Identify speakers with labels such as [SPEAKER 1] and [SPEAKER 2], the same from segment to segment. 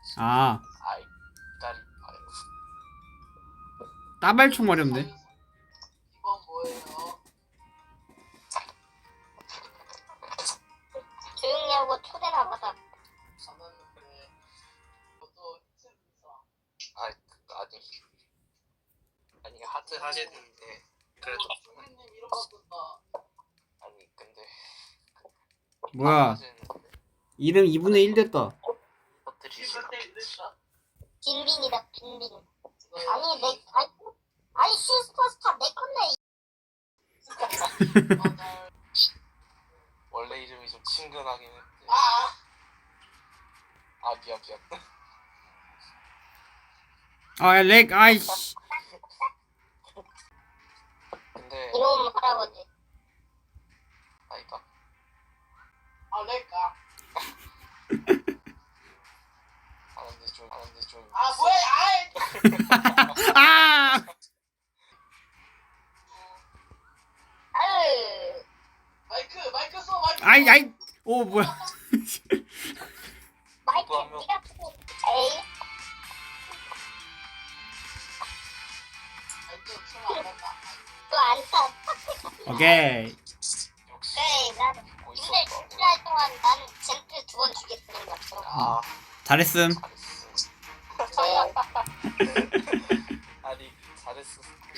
[SPEAKER 1] 아,
[SPEAKER 2] 아이 다리 아유.
[SPEAKER 1] 따발총 마렵네.
[SPEAKER 3] 이건 뭐예요?
[SPEAKER 4] 조용히 하고 초대나 받아.
[SPEAKER 3] 받았는데 저도 힘들어.
[SPEAKER 2] 아니 하트 하시는데 그래도
[SPEAKER 3] 조민님 이름 바꾼다.
[SPEAKER 2] 아니 근데
[SPEAKER 1] 뭐야,
[SPEAKER 2] 하시는데
[SPEAKER 1] 이름 2분의 1 됐다.
[SPEAKER 2] 터뜨리시나
[SPEAKER 3] 됐다.
[SPEAKER 4] 빈빈이다 빈빈. 아니 내 아니 슈퍼스타 내 건데.
[SPEAKER 2] 원래 이름이 좀 친근하긴 했는데
[SPEAKER 3] 아,
[SPEAKER 2] 아 미안
[SPEAKER 1] 아, 렉, 아이씨.
[SPEAKER 2] 근데
[SPEAKER 4] 이놈 할아버지.
[SPEAKER 2] 아니다
[SPEAKER 3] 아 내가.
[SPEAKER 2] 하는데 좀
[SPEAKER 3] 아 뭐야? 아이.
[SPEAKER 1] 아!
[SPEAKER 4] 아유.
[SPEAKER 3] 마이크 써 마이크.
[SPEAKER 1] 아이, 오, 뭐야.
[SPEAKER 4] 마이크
[SPEAKER 2] 누구 한 명-
[SPEAKER 4] 네가 쓰고. 에이.
[SPEAKER 3] 마이크 쓰면 안 된다.
[SPEAKER 4] 또안 타.
[SPEAKER 1] 오케이.
[SPEAKER 2] 역시
[SPEAKER 4] 그래 난
[SPEAKER 2] 듣고
[SPEAKER 4] 오늘
[SPEAKER 2] 있었다
[SPEAKER 4] 주차할 동안 나는 젠트 2번 주겠다는 거.
[SPEAKER 2] 아
[SPEAKER 1] 잘했음.
[SPEAKER 2] 잘했어
[SPEAKER 4] 네.
[SPEAKER 2] 아니 잘했어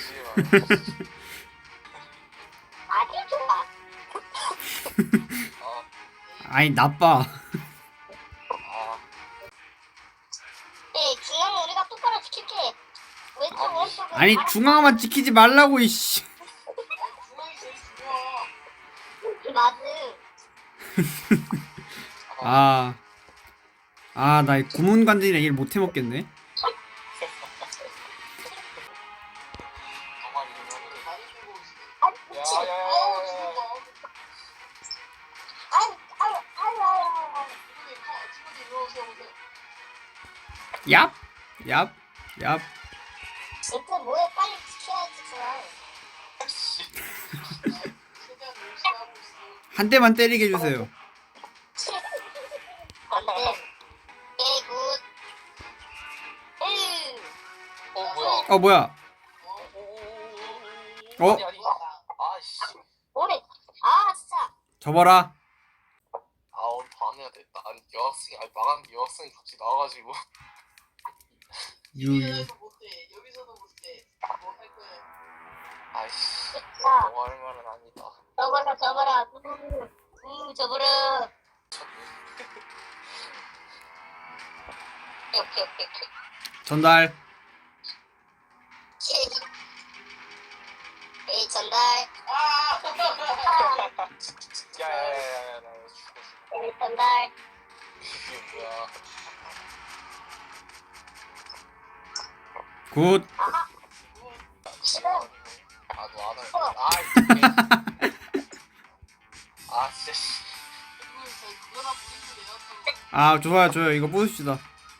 [SPEAKER 4] 아주 좋아.
[SPEAKER 1] 아니, 나빠.
[SPEAKER 2] 아
[SPEAKER 4] 네 중앙 우리가 똑바로 지킬게. 왼쪽
[SPEAKER 2] 아니,
[SPEAKER 4] 오른쪽.
[SPEAKER 1] 아니, 중앙만 지키지 말라고, 이씨.
[SPEAKER 3] 중앙이 제일 중요해.
[SPEAKER 4] 맞음.
[SPEAKER 1] 나 고문관절이랑 일 못 해먹겠네.
[SPEAKER 2] 정말 이름이
[SPEAKER 3] 많이 들고 오시네.
[SPEAKER 4] 아 미친.
[SPEAKER 3] 어우
[SPEAKER 2] 야야야야야
[SPEAKER 4] 아유.
[SPEAKER 3] 친구들 이리 오세요 오세요.
[SPEAKER 1] 얍, 얍, 얍.
[SPEAKER 4] 젠트 뭐해 빨리 지켜야지 중앙.
[SPEAKER 3] 최대한 열심히 하고 있어.
[SPEAKER 1] 한 대만 때리게 해주세요.
[SPEAKER 4] 안돼. 예 굿.
[SPEAKER 2] 뭐야
[SPEAKER 1] 어, 뭐야. 어?
[SPEAKER 2] 아니 아씨
[SPEAKER 4] 오래. 아 진짜.
[SPEAKER 1] 접어라.
[SPEAKER 2] 아 오늘 반해야 돼. 난 여학생이 아니 망한 여학생이 같이 나와가지고
[SPEAKER 1] 유유.
[SPEAKER 3] 여기서도 못해. 여기서도 못해. 뭐 할 거야?
[SPEAKER 2] 아이씨
[SPEAKER 4] 자
[SPEAKER 2] 너무 할 말은 아니다.
[SPEAKER 4] 접어라. 접어라. 오케이.
[SPEAKER 1] 전달.
[SPEAKER 4] 에이 전달.
[SPEAKER 3] 아!
[SPEAKER 2] 야야야야야 나 이거 죽었어.
[SPEAKER 4] 에이 전달.
[SPEAKER 2] 이게 뭐야?
[SPEAKER 1] 굿.
[SPEAKER 2] 아너 안 할. 아 진짜 씨.
[SPEAKER 3] 그거나 뿌리면 돼요.
[SPEAKER 1] 좋아요. 이거 뽑읍시다.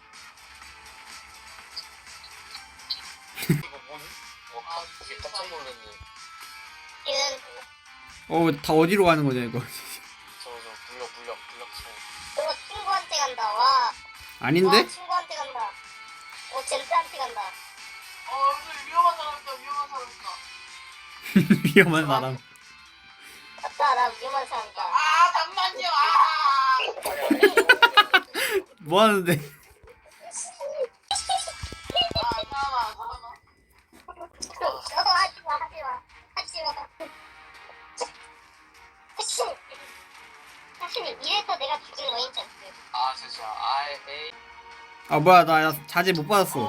[SPEAKER 2] 이거 뭐니? 이게 깜짝 놀랐네.
[SPEAKER 4] 지금
[SPEAKER 1] 다 어디로 가는 거냐, 이거.
[SPEAKER 2] 저 물력 쳐.
[SPEAKER 4] 너 친구한테 간다. 와.
[SPEAKER 1] 아닌데?
[SPEAKER 4] 와, 친구한테 간다. 젠트한테 간다.
[SPEAKER 3] 여기 위험한 사람이다. 위험한 사람이다.
[SPEAKER 1] 위험한 사람.
[SPEAKER 4] 맞다. 나 위험한 사람이다.
[SPEAKER 3] 아 잠만요.
[SPEAKER 1] 뭐 하는데?
[SPEAKER 3] 살아나.
[SPEAKER 4] 사실 이래서 내가 죽인 거인 줄 알았어.
[SPEAKER 2] 아 진짜 에이.
[SPEAKER 1] 뭐야, 나 자제 못 받았어.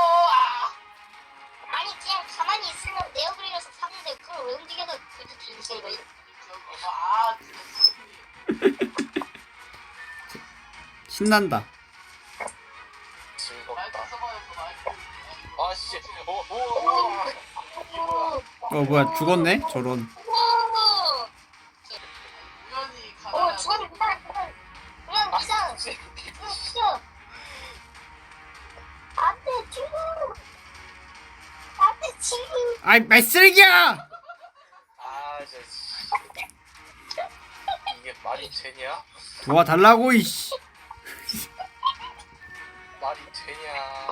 [SPEAKER 4] 아니 그냥 가만히 있으면 네오브리에서 사는데 그걸 왜 움직여서 굳이 뒤지는 거지?
[SPEAKER 1] 신난다.
[SPEAKER 2] 즐겁다.
[SPEAKER 3] 써봐요.
[SPEAKER 2] 아씨. 오.
[SPEAKER 1] 뭐야, 죽었네? 저런.
[SPEAKER 3] 우연히
[SPEAKER 4] 오
[SPEAKER 3] 가다가
[SPEAKER 4] 죽었다. 그냥 비상. 죽여. 안돼 친구. 안돼 친구.
[SPEAKER 1] 아이, 쓰레기야!
[SPEAKER 2] 아 진짜. 이게 말이 되냐?
[SPEAKER 1] 도와달라고, 이씨.
[SPEAKER 2] 나 되냐?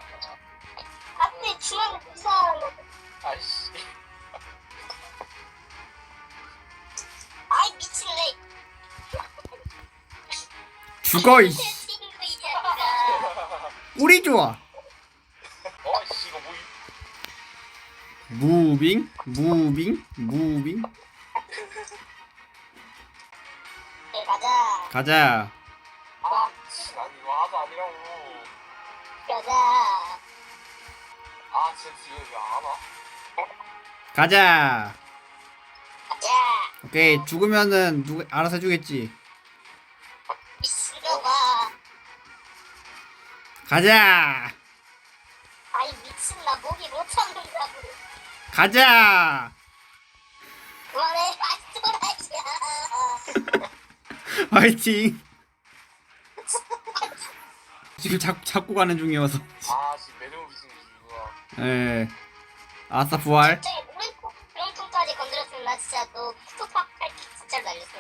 [SPEAKER 4] 앞에 중앙 부산.
[SPEAKER 2] 아이씨.
[SPEAKER 4] 아이 미칠래.
[SPEAKER 1] 죽어 이씨.
[SPEAKER 4] 친구 이 자식아.
[SPEAKER 1] 꿀이 좋아.
[SPEAKER 2] 어이씨 이거 뭐?
[SPEAKER 1] 무빙 무빙.
[SPEAKER 4] 네 가자.
[SPEAKER 1] 가자.
[SPEAKER 2] 아, 난 이거 하도 아니라고.
[SPEAKER 4] 가자.
[SPEAKER 2] 아, 쟤 뒤에 왜안 와?
[SPEAKER 1] 가자.
[SPEAKER 4] 가자.
[SPEAKER 1] 오케이 죽으면은 누가 알아서 해주겠지.
[SPEAKER 4] 미친놈아.
[SPEAKER 1] 가자.
[SPEAKER 4] 아이 미친 나 목이 못 참는다고.
[SPEAKER 1] 가자.
[SPEAKER 4] 그만해. 아이 또라이야.
[SPEAKER 1] 화이팅. 지금 잡고 가는 중이어서.
[SPEAKER 2] 아, 지금 매듭 미친 중이구나.
[SPEAKER 1] 예. 아싸 부활.
[SPEAKER 4] 갑자기 몸통까지 건드렸으면 나 진짜 너 스톱팍 할게 진짜 날렸어.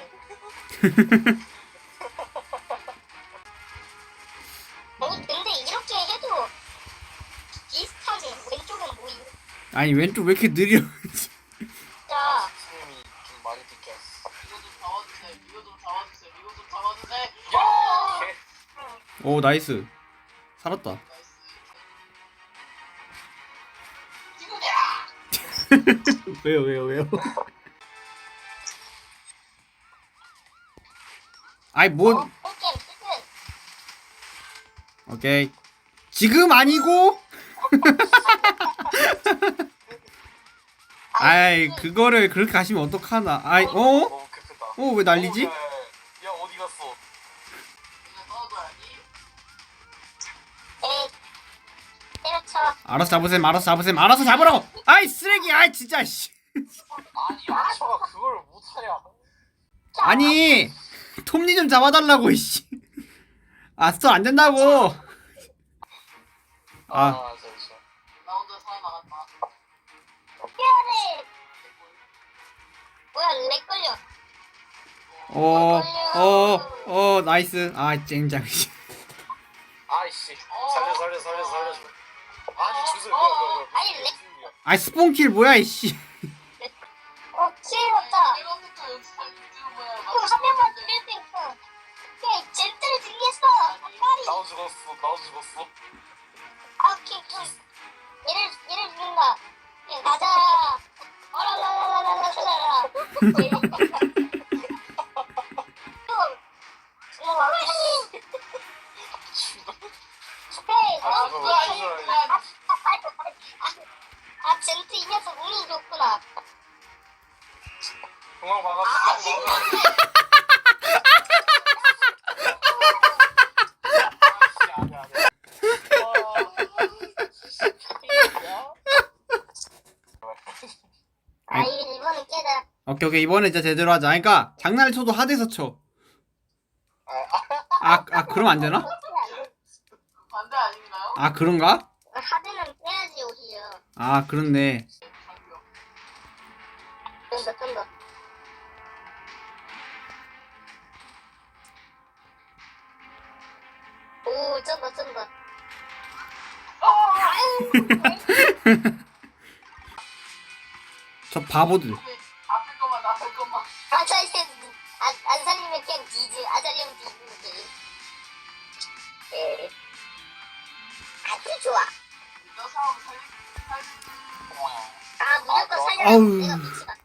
[SPEAKER 4] 아니 근데 이렇게 해도 비슷하지. 왼쪽은 뭐이?
[SPEAKER 1] 아니 왼쪽 왜 이렇게 느려?
[SPEAKER 4] 자
[SPEAKER 2] 스님이 좀 많이 느꼈어.
[SPEAKER 3] 이거 좀 잡아주세요. 이거 좀 잡아주세요. 이거 좀 잡아주세요.
[SPEAKER 2] 야, 걔.
[SPEAKER 1] 오 나이스. 살았다.
[SPEAKER 3] 나이스. 지구냐?
[SPEAKER 1] 왜요? 아이 뭔?
[SPEAKER 4] 게임 끝은
[SPEAKER 1] 오케이. 지금 아니고? 아이 그거를 그렇게 가시면 어떡하나. 아이 어?
[SPEAKER 2] 너무 급했다.
[SPEAKER 1] 어 왜 난리지?
[SPEAKER 2] 야, 어디 갔어?
[SPEAKER 3] 이거 넣어줘야지.
[SPEAKER 4] 에 때려쳐.
[SPEAKER 1] 알아서 잡으라고. 아이 쓰레기. 아이 진짜 씨.
[SPEAKER 2] 아니, 아처가 그걸 못하냐?
[SPEAKER 1] 아니 톱니 좀 잡아달라고 이씨. 아 스톱 안 된다고. 아
[SPEAKER 2] 잠시만.
[SPEAKER 3] 나 혼자 살아나갔다.
[SPEAKER 4] 미안해. 뭐야 렉 걸려.
[SPEAKER 1] 나이스. 아 쨍장.
[SPEAKER 2] 아이씨, 살려줘. 아니, 주세요.
[SPEAKER 4] 아니, 렉.
[SPEAKER 1] 아 스폰킬 뭐야 이씨.
[SPEAKER 4] 키웠다.
[SPEAKER 3] 이거부터 연습할 줄 뭐야.
[SPEAKER 4] 한 명만 죽일 수 있어. 오케이 젠틀을 준비했어. 빨리.
[SPEAKER 2] 나도 죽었어.
[SPEAKER 4] 아 오케이. 얘를 죽인다. 예, 가자. 어라라라라라라라. 아 젠트 이 녀석 운이 좋구나.
[SPEAKER 2] 도망 막았어.
[SPEAKER 4] 아 이번엔 깨다.
[SPEAKER 1] 오케이 이번에 진짜 제대로 하자. 그러니까 장난을 쳐도 하드에서 쳐. 아 그럼 안 되나?
[SPEAKER 3] 반대 아닌가요?
[SPEAKER 1] 아 그런가?
[SPEAKER 4] 하드는 빼야지 오히려.
[SPEAKER 1] 아 그렇네.
[SPEAKER 4] 좀 더. 오, 좀 더.
[SPEAKER 1] 저 바보들.
[SPEAKER 3] 앞에 것만.
[SPEAKER 4] 안 살리면 그냥 뒤지. 안 살리면 뒤지는 게임. 예. 아주 좋아.
[SPEAKER 3] 너 사람 살리.
[SPEAKER 4] 아, 무조건
[SPEAKER 1] 아우.
[SPEAKER 4] 살려야 내가 미치다.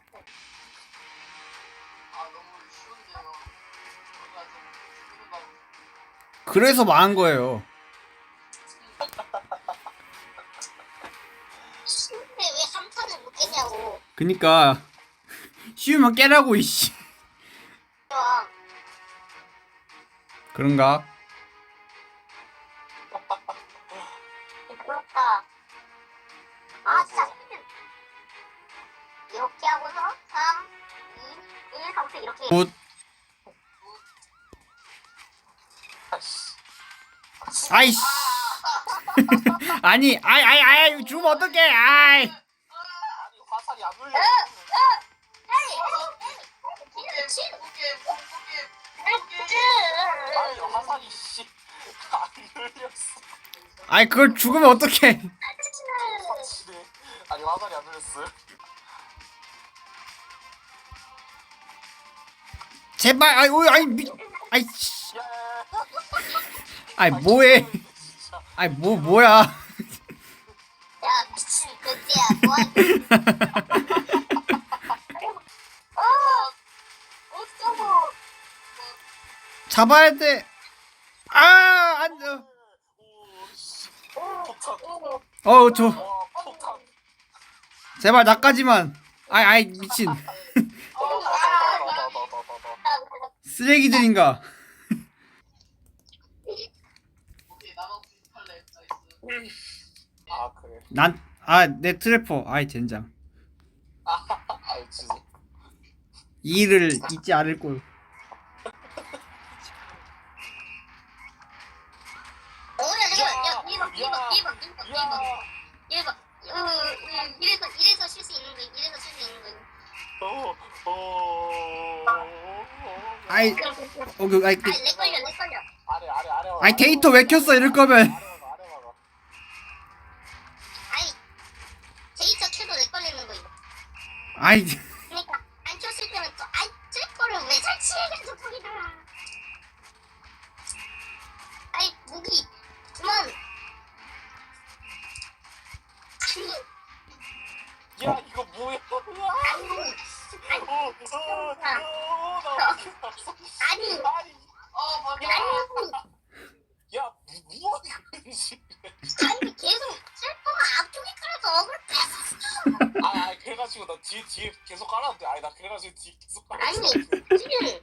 [SPEAKER 3] 아 너무 쉬운데요. 우리가 좀 죽는다고.
[SPEAKER 1] 그래서 망한 거예요.
[SPEAKER 4] 근데 왜 3탄을 못 깨냐고.
[SPEAKER 1] 그니까 쉬우면 깨라고 이씨.
[SPEAKER 4] 좋아.
[SPEAKER 1] 그런가?
[SPEAKER 4] 부럽다. 아, 진짜. 이렇게 하고서 3, 2, 1 하고서 이렇게.
[SPEAKER 1] 굿. 아이씨. 아니 아이 죽으면 어떡해. 아이.
[SPEAKER 2] 아니, 화살이 안 눌려. 아니, 화살이 씨. 안 눌렸어.
[SPEAKER 1] 아이 그걸 죽으면 어떡해.
[SPEAKER 2] 확실해. 아니 화살이 안 들렸어요?
[SPEAKER 1] 제발 아이 오 아이 미 아이 씨.
[SPEAKER 2] 야.
[SPEAKER 1] 아이 뭐해.
[SPEAKER 2] 진짜.
[SPEAKER 1] 아이 뭐야.
[SPEAKER 4] 야 미친 그때야 뭐하니? 어쩌고?
[SPEAKER 1] 잡아야 돼. 아, 안 돼.
[SPEAKER 2] 오씨. 폭탄.
[SPEAKER 1] 저
[SPEAKER 2] 와 폭탄.
[SPEAKER 1] 제발 나까지만. 아이 미친.
[SPEAKER 2] 나나나나나나.
[SPEAKER 1] 쓰레기들인가.
[SPEAKER 3] 오케이 나만 98렙 나이스.
[SPEAKER 2] 아 그래.
[SPEAKER 1] 내 트래퍼. 아이 젠장.
[SPEAKER 2] 아 죄송.
[SPEAKER 1] 이 일을 잊지 않을 걸.
[SPEAKER 4] 어야 잠깐 야
[SPEAKER 2] 야,
[SPEAKER 4] 1번 이래서 쉴 수 있는 거 이래서 쉴 수 있는 거
[SPEAKER 1] 아이 아이
[SPEAKER 4] 아니 렉 걸려
[SPEAKER 2] 아래
[SPEAKER 1] 아이 데이터 왜 켰어 이럴 거면.
[SPEAKER 2] 아래 막아.
[SPEAKER 4] 아니 데이터 켜도 렉 걸리는 거 이거
[SPEAKER 1] 아이
[SPEAKER 4] 그러니까 안 켰을 때는 또 아이 쟤거를 왜 설치해가지고 거기다 아이 무기 그만
[SPEAKER 2] 야 이거 뭐야?
[SPEAKER 4] 아니
[SPEAKER 2] 아니
[SPEAKER 3] 맞아.
[SPEAKER 2] 야 뭐야 이거
[SPEAKER 4] 아니 계속 셀퍼가 앞쪽에 깔아서 어그로 뺐었어
[SPEAKER 2] 아 그래가지고 나 뒤에 계속 깔았는데 아니 나 그래가지고 뒤에 계속
[SPEAKER 4] 아니
[SPEAKER 2] 깔았어
[SPEAKER 4] 지금